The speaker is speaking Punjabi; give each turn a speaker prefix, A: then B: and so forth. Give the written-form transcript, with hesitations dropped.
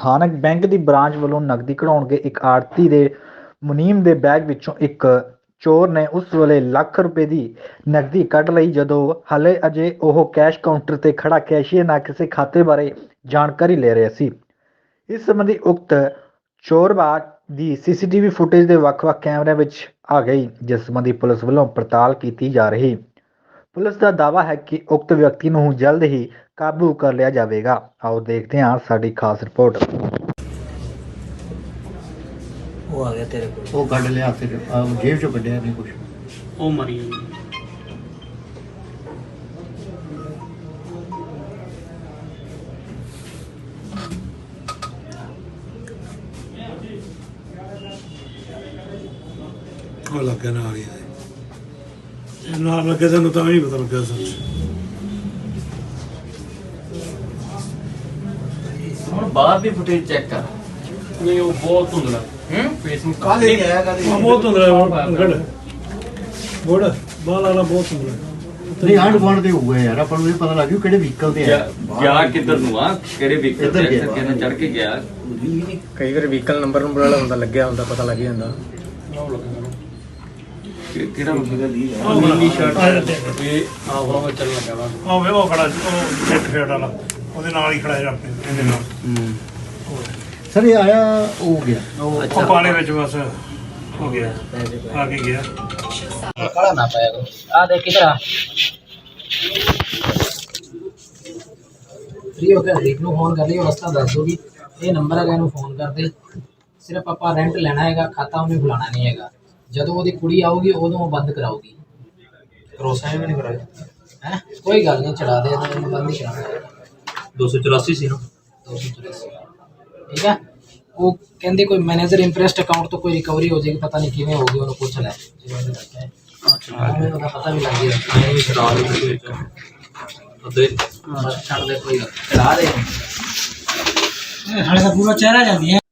A: ਸਥਾਨਕ ਬੈਂਕ ਦੀ ਬ੍ਰਾਂਚ ਵੱਲੋਂ ਨਕਦੀ ਕਢਾਉਣ ਗਏ ਇੱਕ ਆੜ੍ਹਤੀ ਦੇ ਮੁਨੀਮ ਦੇ ਬੈਗ ਵਿੱਚੋਂ ਇੱਕ ਚੋਰ ਨੇ ਉਸ ਵੇਲੇ ਲੱਖ ਰੁਪਏ ਦੀ ਨਕਦੀ ਕੱਢ ਲਈ, ਜਦੋਂ ਹਾਲੇ ਅਜੇ ਉਹ ਕੈਸ਼ ਕਾਊਂਟਰ 'ਤੇ ਖੜ੍ਹਾ ਕੈਸ਼ੀਅਰ ਨਾਲ ਕਿਸੇ ਖਾਤੇ ਬਾਰੇ ਜਾਣਕਾਰੀ ਲੈ ਰਿਹਾ ਸੀ। ਇਸ ਸੰਬੰਧੀ ਉਕਤ ਚੋਰਬਾਜ਼ ਦੀ CCTV ਫੁਟੇਜ ਦੇ ਵੱਖ-ਵੱਖ ਕੈਮਰਿਆਂ ਵਿੱਚ ਆ ਗਈ, ਜਿਸ ਸੰਬੰਧੀ ਪੁਲਿਸ ਵੱਲੋਂ ਪੜਤਾਲ ਕੀਤੀ ਜਾ ਰਹੀ। ਪੁਲਿਸ ਦਾ ਦਾਅਵਾ ਹੈ ਕਿ ਉਕਤ ਵਿਅਕਤੀ ਨੂੰ ਜਲਦ ਹੀ ਕਾਬੂ ਕਰ ਲਿਆ ਜਾਵੇਗਾ। ਆਓ ਦੇਖਦੇ ਹਾਂ ਸਾਡੀ ਖਾਸ ਰਿਪੋर्ट।
B: वो आ गया तेरे को।
C: वो कढ़ लिया फिर जेब चो कढ़िया नहीं कुछ।
D: ਉਹ ਮਰੀ
E: ਉਹ ਲੱਗਾ ਨਾਲ ਹੀ ਨਾਲ ਲੱਗੇ ਸਾਨੂੰ ਤਾਂ ਵੀ ਪਤਾ ਲੱਗਾ ਸੱਚ।
D: ਹੁਣ ਬਾਹਰ ਦੀ ਫੁਟੇਜ ਚੈੱਕ ਕਰ। ਨਹੀਂ ਉਹ ਬਹੁਤ ਧੁੰਦਲਾ ਫੇਸ ਨੂੰ
C: काले नहीं आया काले
E: ਬਹੁਤ ਹੁੰਦਾ ਗੜ ਗੋੜ ਬਾਲ ਵਾਲਾ ਬਹੁਤ ਹੁੰਦਾ।
C: नहीं आंड गुआंढ दे हुए यार अपन ਨੂੰ ਪਤਾ ਲੱਗ ਗਿਆ ਕਿਹੜੇ ਵਹੀਕਲ ਤੇ ਆ
D: ਗਿਆ ਕਿੱਧਰ ਨੂੰ ਆ ਕਿਹੜੇ ਵਹੀਕਲ ਤੇ ਕਿਹਨੇ ਚੜ ਕੇ ਗਿਆ।
B: ਕਈ ਵਾਰ ਵਹੀਕਲ ਨੰਬਰ ਵਾਲਾ ਹੁੰਦਾ ਲੱਗਿਆ ਹੁੰਦਾ ਪਤਾ ਲੱਗ ਜਾਂਦਾ।
D: ਕਿਹੜਾ ਵਹੀਕਲ ਦੀ ਨੀਲੀ ਸ਼ਰਟ ਇਹ ਆਹ ਚੱਲ ਲੱਗਾ ਵਾ।
E: ਉਹ ਵੇ ਉਹ ਖੜਾ ਉਹ ਸੈਟ ਫੇਟ ਵਾਲਾ ਉਹਦੇ ਨਾਲ ਹੀ ਖੜਾ ਜਾ ਇਹਦੇ ਨਾਲ।
C: ਸਰ ਇਹ ਆਇਆ ਹੋ ਗਿਆ
E: ਉਹ ਪਾਣੀ ਵਿੱਚ ਬਸ ਹੋ ਗਿਆ ਆ ਕੇ ਗਿਆ।
B: खड़ा ना पाएगा आ देख किधर आ फ्री हो गया देख लो फोन कर लियो रास्ता दस दोगी ये नंबर है ਇਹਨੂੰ ਫੋਨ ਕਰ ਦੇ। ਸਿਰਫ ਆਪਾਂ ਰੈਂਟ ਲੈਣਾ ਹੈਗਾ, ਖਾਤਾ ਉਹਨੇ ਖੁਲਾਣਾ ਨਹੀਂ ਹੈਗਾ। ਜਦੋਂ ਉਹਦੀ ਕੁੜੀ ਆਊਗੀ ਉਦੋਂ ਉਹ ਬੰਦ ਕਰਾਊਗੀ। ਭਰੋਸਾ ਵੀ ਨਹੀਂ ਕਰਾਇਆ ਹੈ ਕੋਈ ਗੱਲ ਨਹੀਂ ਚੜਾ ਦੇ ਇਹਨੂੰ ਬੰਦ ਹੀ ਕਰਾਉਣਾ।
D: 284 ਸੀ ਨਾ
B: 284 ਠੀਕ ਹੈ। ਉਹ ਕਹਿੰਦੇ ਕੋਈ ਮੈਨੇਜਰ ਇੰਟਰਸਟ ਅਕਾਊਂਟ ਤੋਂ ਕੋਈ ਰਿਕਵਰੀ ਹੋ ਜਾਏਗੀ, ਪਤਾ ਨਹੀਂ ਕਿਵੇਂ ਹੋਗੀ, ਉਹਨੂੰ ਪੁੱਛ ਲੈ ਜਿਵੇਂ ਉਹਨੇ ਦੱਸਿਆ ਹੈ। ਮੈਨੂੰ ਤਾਂ ਪਤਾ ਵੀ ਲੱਗ ਗਿਆ ਛੱਡ ਦੇ ਕੋਈ ਚੜਾ ਦੇ। ਸਾਡੇ ਦਾ ਪੂਰਾ ਚਿਹਰਾ ਜਾਂਦੀ ਹੈ।